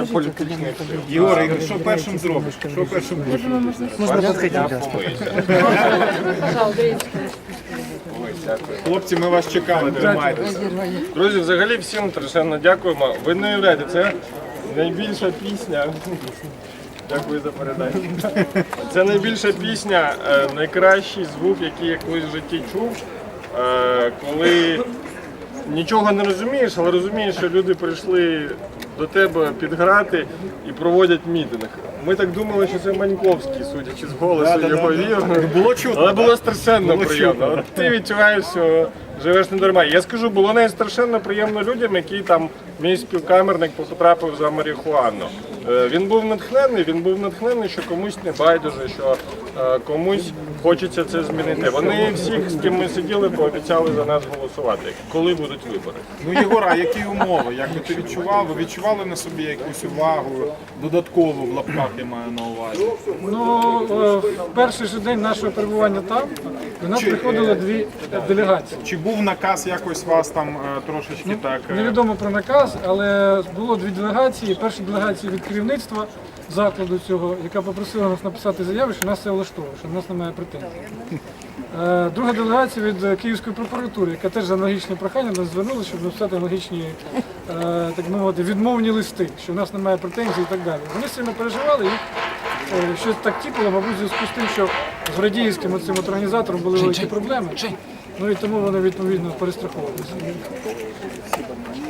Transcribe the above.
політичних сил. Єгор, що першим зробиш? Що першим будеш? Можна підходити. Хлопці, ми вас чекали, тримайтеся. Друзі, взагалі всім страшенно дякуємо. Ви не уявляєте, це найбільша пісня. Дякую за передачу. Це найбільша пісня, найкращий звук, який я колись в житті чув, коли нічого не розумієш, але розумієш, що люди прийшли до тебе підграти і проводять мітинг. Ми так думали, що це Маньковський, судячи з голосу його віру. Було чутно, Але було так? страшенно Було приємно. чутно. От ти відчуваєш, що живеш не дарма. Я скажу, було навіть страшенно приємно людям, які там, мій співкамерник потрапив за марихуану. Він був натхнений, що комусь не байдуже, що комусь хочеться це змінити. Вони всіх, з ким ми сиділи, пообіцяли за нас голосувати, коли будуть вибори. Ну, Єгор, а які умови? Як би ти відчував? Ви відчували на собі якусь увагу, додаткову в лапках, я маю на увазі? Ну, в перший же день нашого перебування там до нас приходили дві делегації. Чи був наказ якось вас там трошечки так? Невідомо про наказ, але було дві делегації. Перша делегація від керівництва закладу цього, яка попросила нас написати заяву, що нас це влаштовує, що в нас немає претензій. Друга делегація від Київської прокуратури, яка теж за аналогічне прохання нас звернулася, щоб написати аналогічні, так мовити, відмовні листи, що в нас немає претензій і так далі. Вони сильно переживали і щось так тіпало, мабуть, в зв'язку з тим, що з Радіївським цим організатором були великі проблеми. Ну і тому вони відповідно перестраховувалися.